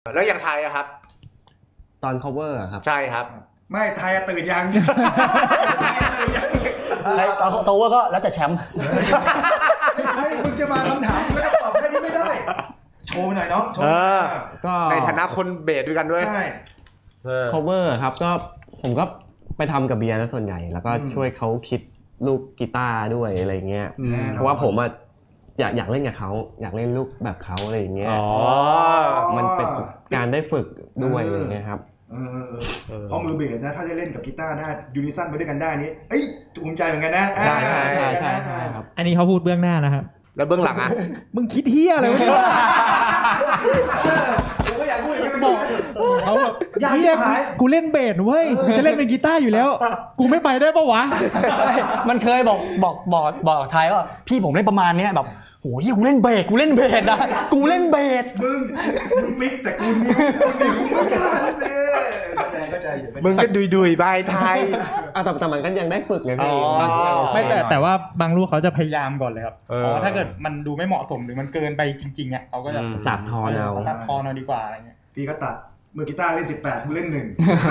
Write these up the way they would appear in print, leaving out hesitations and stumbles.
แล้วอย่างไทยอะครับตอน cover อะครับใช่ครับไม่ไทยตื่นยังไทยตอน cover ก็แล้วแต่แชมป์ให้มึงจะมาคำถามแล้วก็ตอบแค่นี้ไม่ได้โชว์หน่อยเนาะก็ในฐานะคนเบสด้วยกันด้วยใช่ cover ครับก็ผมก็ไปทำกับเบียร์แล้วส่วนใหญ่แล้วก็ช่วยเขาคิดลูกกีตาร์ด้วยอะไรเงี้ยเพราะว่าผมอะอยากเล่นกับเขาอยากเล่นลูกแบบเขาอะไรอย่างเงี้ยมันเป็นการได้ฝึกด้วยอะไรเงี้ยครับเพราะมือเบสนะถ้าได้เล่นกับกีตาร์ได้ยูนิซันไปด้วยกันได้นี้เอ้ยภูมิใจเหมือนกันนะใช่ครับอันนี้เขาพูดเบื้องหน้านะครับแล้วเบื้องหลังอะมึงคิดเฮียอะไรวะเนี่ยผมก็อยากพูดอย่างนี้บอกเขาแบบเฮียกูเล่นเบสเว้ยจะเล่นเป็นกีตาร์อยู่แล้วกูไม่ไปได้ปะวะมันเคยบอกไทยว่าพี่ผมเล่นประมาณนี้แบบโหที่กูเล่นเบสนะกูเล่นเบสมึงปิ๊กแต่กูนิ้วไม่กล้าเลยเข้าใจอยู่มึงก็ดุยๆใบไทยแต่มันก็ยังได้ฝึกไงพี่ไม่แต่ว่าบางลูกเขาจะพยายามก่อนเลยครับถ้าเกิดมันดูไม่เหมาะสมหรือมันเกินไปจริงๆอ่ะเขาก็จะตัดทอนเอาดีกว่าอะไรเงี้ยพี่ก็ตัดมือกีตาร์เล่น18มึงเล่น1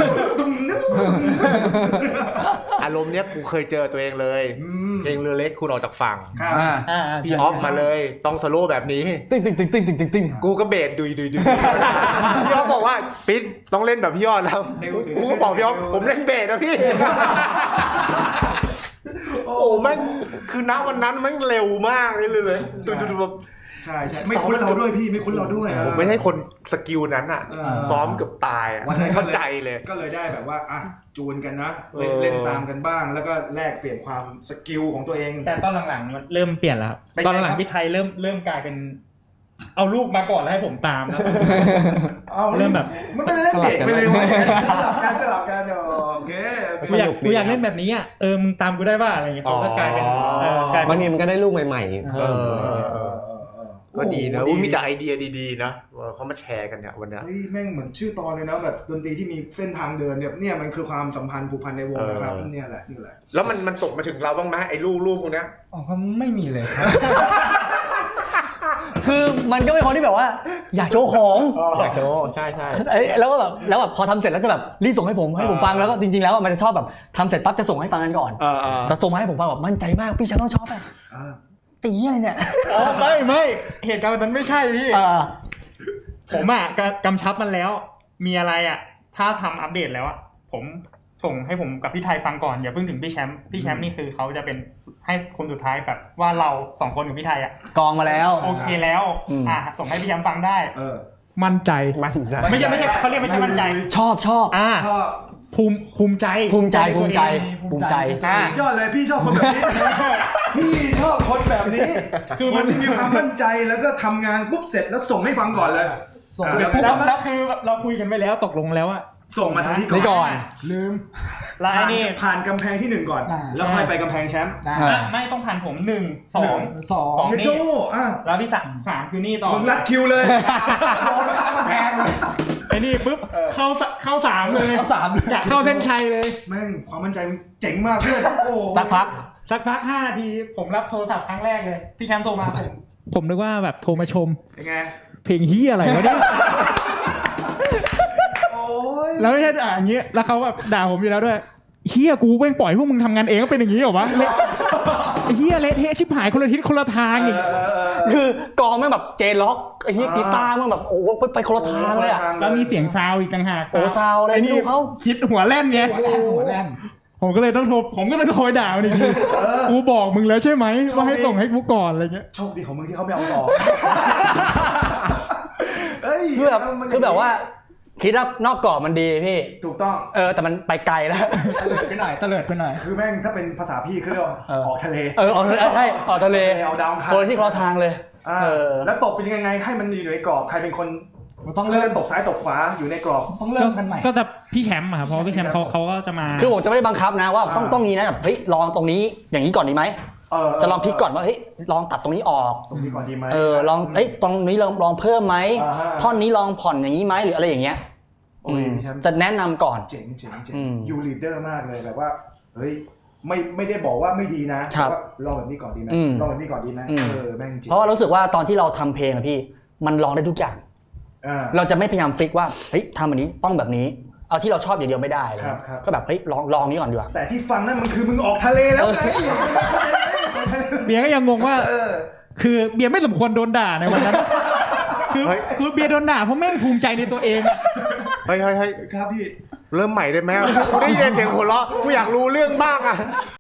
อารมณ์เนี้ยกูเคยเจอตัวเองเลยเพลงเรือเล็กคุณออกจากฝั่งพี่ออฟมาเลยต้องโซโล่แบบนี้ติ้งกูก็เบสดุยพี่ออฟบอกว่าปิ๊ดต้องเล่นแบบพี่ยอดแล้วกูก็บอกพี่ออฟผมเล่นเบสนะพี่โอ้แม่งคือณวันนั้นแม่งเร็วมากเลยแบบใช่ไม่คุ้นเราด้วยพี่ไม่คุ้นเราด้วยผมไม่ใช่คนสกิลนั้นอ่ะซ้อมเกือบตายอ่ะเข้าใจเลยก็เลยได้แบบว่าอ่ะจูนกันนะเล่นตามกันบ้างแล้วก็แลกเปลี่ยนความสกิลของตัวเองแต่ตอนหลังๆมันเริ่มเปลี่ยนแล้วครับตอนหลังพี่ไทยเริ่มกลายเป็นเอาลูกมาก่อนแล้วให้ผมตามแล้วเริ่มแบบมันเป็นเล่นเด็กไปเลยสลับกันโอเคกูอยากเล่นแบบนี้อ่ะมึงตามกูได้ป่ะอะไรอย่างเงี้ยเขาก็กลายเป็นบางทีมันก็ได้ลูกใหม่ๆเพิ่มก็ดีนะมีแต่ไอเดียดีๆนะเขามาแชร์กันเนี่ยวันนี้เฮ้ยแม่งเหมือนชื่อตอนเลยนะแบบดนตรีที่มีเส้นทางเดินเนี่ยมันคือความสัมพันธ์ผูกพันในวงนะครับนี่แหละแล้วมันตกมาถึงเราบ้างไหมไอ้ลูกพวกนี้อ๋อไม่มีเลยคือมันก็เป็นคนที่แบบว่าอยากโชว์ของอยากโชว์ใช่แล้วก็แบบพอทำเสร็จแล้วจะแบบรีบส่งให้ผมฟังแล้วก็จริงๆแล้วมันจะชอบแบบทำเสร็จปั๊บจะส่งให้ฟังกันก่อนแต่ส่งมาให้ผมฟังแบบมั่นใจมากพี่ฉันต้องชอบอะตีอะไรเนี่ยไม่เหตุการณ์นั้นไม่ใช่พี่ผมอ่ะกำชับมันแล้วมีอะไรอ่ะถ้าทำอัปเดตแล้วอ่ะผมส่งให้ผมกับพี่ไทยฟังก่อนอย่าเพิ่งถึงพี่แชมป์นี่คือเขาจะเป็นให้คนสุดท้ายแบบว่าเรา2คนกับพี่ไทยอ่ะกองมาแล้วโอเคแล้วส่งให้พี่แชมป์ฟังได้มั่นใจไม่ใช่เขาเรียกไม่ใช่มั่นใจชอบภูมิใจยอดเลยพี่ชอบคนแบบนี้พี่ชอบคนแบบนี้คือมันมีความมั่นใจแล้วก็ทำงานปุ๊บเสร็จแล้วส่งให้ฟังก่อนเลยส่งแล้วคือเราคุยกันไปแล้วตกลงแล้วอะส่งมาทางที่ก่อนลืมแล้วนี่ผ่านกำแพงที่1ก่อนแล้วค่อยไปกำแพงแชมป์ไม่ต้องผ่านผม1 2นี่แล้วที่3คือนี่ต่อมึงรัดคิวเลยโดนข้ามกำแพงไอ้นี่ปุ๊บเข้า3เลยอยากเข้าเส้นชัยเลยแม่งความมั่นใจเจ๋งมากเพื่อนสักพัก 5 นาทีผมรับโทรศัพท์ครั้งแรกเลยพี่แชมป์โทรมาผมนึกว่าแบบโทรมาชมเป็นไงเพลงเฮียอะไรวะเนี่ยแล้วไม่ใช่อย่างเงี้ยแล้วเขาแบบด่าผมอยู่แล้วด้วยเฮียกูแม่งปล่อยพวกมึงทำงานเองก็เป็นอย่างงี้เหรอวะเฮียเละเทะชิบหายคนละทิศคนละทางอีกคือกองแม่งแบบเจล็อกไอ้เฮียกีตาร์แม่งแบบโอ้ไปคนละทางเลยอะแล้วมีเสียงซาวอีกต่างหากซาวอะไรไม่รู้เขาคิดหัวแล่นไงหัวแล่นผมก็เลยต้องโทรด่ามันอีกทีกูบอกมึงแล้วใช่ไหมว่าให้ส่งให้กูก่อนอะไรเงี้ยโชคดีของมึงที่เขาไม่เอาต่อคือแบบว่าคิดว่านอกกรอบมันดีพี่ถูกต้องแต่มันไปไกลแล้วเตลิดไปหน่อยคือแม่งถ้าเป็นภาษาพี่คือเรียกว่าออกทะเลออกทะเลเอาดาวคนที่คนละทางเลยแล้วตบเป็นยังไงให้มันอยู่ในกรอบใครเป็นคนต้องเลือกตบซ้ายตบขวาอยู่ในกรอบต้องเลือกกันใหม่ก็จะพี่แชมป์อะครับเพราะพี่แชมป์เขาก็จะมาคือผมจะไม่ได้บังคับนะว่าต้องนี้นะแบบเฮ้ยลองตรงนี้อย่างนี้ก่อนดีไหมจะลองพลิกก่อนว่าเฮ้ยลองตัดตรงนี้ออกตรงนี้ก่อนดีไหมลองตรงนี้ลองเพิ่มไหมท่อนนี้ลองผ่อนอย่างนี้ไหมหรืออะไรอย่างเงี้ยจะแนะนำก่อนเจ๋งยูลีดเดอร์มากเลยแบบว่าเฮ้ยไม่ได้บอกว่าไม่ดีนะว่าลองแบบนี้ก่อนดีนะลองแบบนี้ก่อนดีนะแม่งจริงเพราะรู้สึกว่าตอนที่เราทำเพลงอะพี่มันลองได้ทุกอย่างเราจะไม่พยายามฟิกว่าเฮ้ยทำอันนี้ต้องแบบนี้เอาที่เราชอบอย่างเดียวไม่ได้ก็แบบเฮ้ยลองนี้ก่อนดีกว่าแต่ที่ฟังนั่นมันคือมึงออกทะเลแล้วไงเบียร์ก็ยังงงว่าคือเบียร์ไม่สมควรโดนด่าในวันนั้นคือเบียร์โดนด่าเพราะแม่งภูมิใจในตัวเองเฮ้ยครับพี่เริ่มใหม่ได้ไหมกูได้ยินเสียงหัวเราะกูอยากรู้เรื่องบ้างอ่ะ